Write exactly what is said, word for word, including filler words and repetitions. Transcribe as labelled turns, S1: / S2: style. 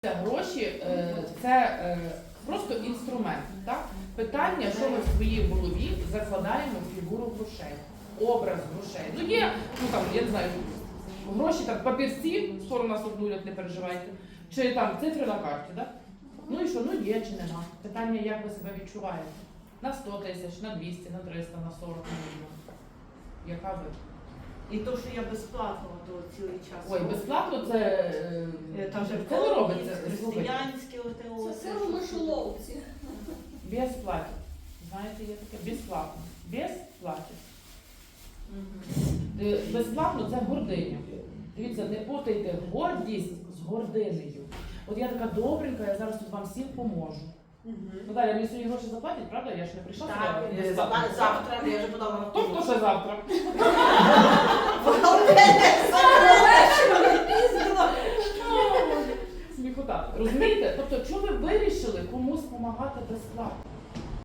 S1: Гроші – це просто інструмент. Так? Питання, що ми в своїй голові закладаємо в фігуру грошей, образ грошей. Ну є, ну там, я не знаю, гроші, там, папірці, скоро нас обнулять, не переживайте, чи там цифри на карті. Так? Ну і що, ну є чи нема. Питання, як ви себе відчуваєте. На сто тисяч, на двісті, на триста, на сорок мільйонів. Яка ви?
S2: І то, що я безплатно то цілий час.
S1: Ой, безплатно це,
S2: Там же
S1: це не робиться.
S2: Християнське оте.
S3: Це все в мишоловці.
S1: Безплатно. Знаєте, є таке безплатно. Безплатно.
S2: Угу.
S1: Безплатно це гординя. Дивіться, не путайте гордість з гординею. От я така добренька, я зараз тут вам всім поможу.
S2: Угу.
S1: Ну далі, мені сьогодні гроші заплатять, правда? Я ж не прийшла.
S2: Так,
S1: сюди
S2: е,
S1: безплатно.
S2: завтра я вже подала на
S1: Тобто ще завтра. Сміхота. Розумієте? Тобто, чому ви вирішили комусь допомагати безплатно?